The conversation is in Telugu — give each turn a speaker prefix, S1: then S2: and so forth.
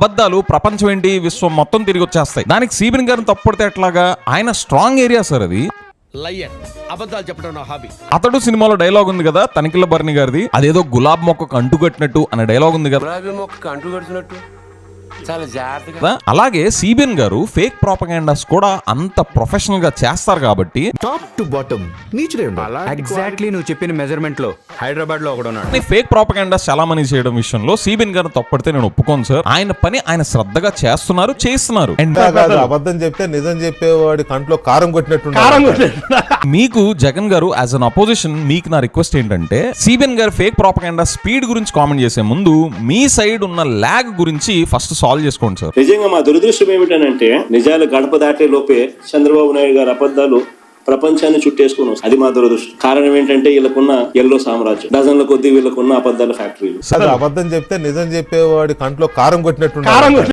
S1: అబద్ధాలు ప్రపంచం ఏంటి విశ్వం మొత్తం తిరిగి వచ్చేస్తాయి. దానికి సిబిఎన్ గారిని తప్పుడితే ఎట్లాగా? ఆయన స్ట్రాంగ్ ఏరియా సార్ అది.
S2: అబద్ధాలు చెప్పడం నా హాబీ.
S1: అతడు సినిమాలో డైలాగ్ ఉంది కదా తనిఖీల భరణి గారిది, అదేదో గులాబ్ మొక్కకు అంటుకట్టినట్టు అనే డైలాగ్ ఉంది కదా.
S3: గులాబీ మొక్కకు అంటుకట్టినట్టు చాలా జాగ్రత్తగా.
S1: అలాగే సిబిఎన్ గారు ఫేక్ ప్రాపగాండాస్ కూడా అంత ప్రొఫెషనల్ గా చేస్తారు కాబట్టి
S4: టాప్ టు బాటమ్ నీచుడే ఉండాలి.
S5: ఎగ్జాక్ట్లీ నువ్వు చెప్పిన మెజర్మెంట్ లో హైదరాబాద్ లో ఒకడు ఉన్నాడు.
S1: ఫేక్ ప్రాపగాండాస్ చాలా మంది చేయడం విషయంలో సిబిఎన్ గారిని తప్పడితే నేను ఒప్పుకోను సార్. ఆయన పని ఆయన శ్రద్ధగా చేస్తున్నారు, చేస్తున్నారు.
S6: అబద్ధం చెప్తే నిజం చెప్పేవాడి కంట్లో కారం కొట్టినట్టు.
S1: మీకు జగన్ గారు యాజ్ అన్ అపోజిషన్ మీకు నా రిక్వెస్ట్ ఏంటంటే సిబిఎన్ గారు ఫేక్ ప్రాపగాండా స్పీడ్ గురించి కామెంట్ చేసే ముందు మీ సైడ్ ఉన్న ల్యాగ్ గురించి ఫస్ట్ సాల్వ్ చేసుకోండి సార్.
S7: నిజంగా మా దురదృష్టం ఏమిటనంటే నిజాలు గడప దాటే లోపే చంద్రబాబు నాయుడు గారి అబద్ధాలు ప్రపంచాన్ని చుట్టేసుకుని వస్తాయి. అది మా దురదృష్టం. కారణం ఏంటంటే వీళ్ళకున్న ఎల్లో సామ్రాజ్యం, డజన్ల కొద్దీ వీళ్ళకున్న అబద్ధాల ఫ్యాక్టరీలు.
S6: అబద్ధం చెప్తే నిజం చెప్పేవాడి కంట్లో కారం కొట్టినట్టు.